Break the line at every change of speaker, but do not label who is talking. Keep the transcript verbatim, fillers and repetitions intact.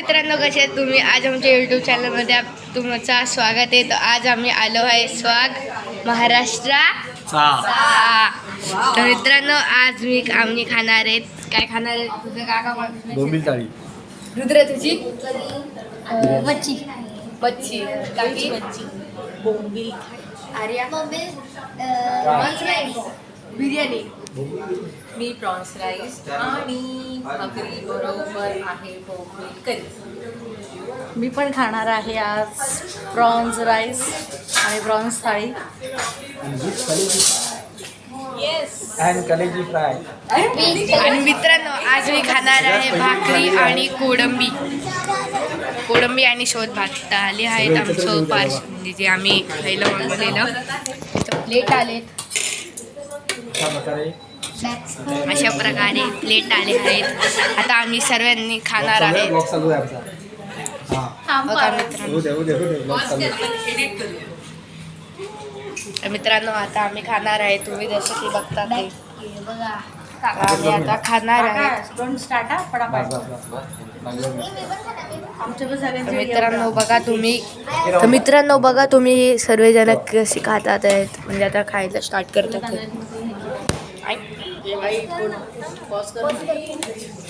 मित्रांनो, कसे आहेत तुम्ही? आज आमच्या यूट्यूब चॅनलमध्ये तुमचं स्वागत आहे. तर आज आम्ही आलो आहे स्वाग महाराष्ट्राचा. तर मित्रांनो, आज मी आम्ही खाणार आहेत. काय खाणार आहेत? तुझं काका
बोंबील थाळी.
रुद्र तुझी
मच्छी
मच्छी काकी
बोंबील
आर्या
बोंबील
बिर्याणी.
मी प्रॉन्स राईस आणि भाकरी बरोबर आहे बोंबील करी.
मी पण खाणार आहे आज प्रॉन्स राईस आणि प्रॉन्स थाळी.
अँड कलेजी फ्राय.
आणि मित्रांनो, आज मी खाणार आहे भाकरी आणि कोळंबी कोळंबी आणि शोध भात आले आहेत आमचं पार्श, म्हणजे जे आम्ही खायला मागवलेलं. प्लेट आलेत अशा प्रकारे प्लेट आले आहेत. आता आम्ही सर्वांनी खाणार आहेत. बघा मित्रांनो, तर मित्रांनो आता आम्ही खाणार आहे. तुम्ही जसं की बघता ते
बघा
आम्ही आता खाणार आहे.
डोंट स्टार्ट हा फटाफट. आमच्या पण
तर
सगळ्यांचे
मित्रांनो बघा तुम्ही तर मित्रांनो बघा तुम्ही सर्वजण कशी खातात आहेत, म्हणजे आता खायला स्टार्ट करतात.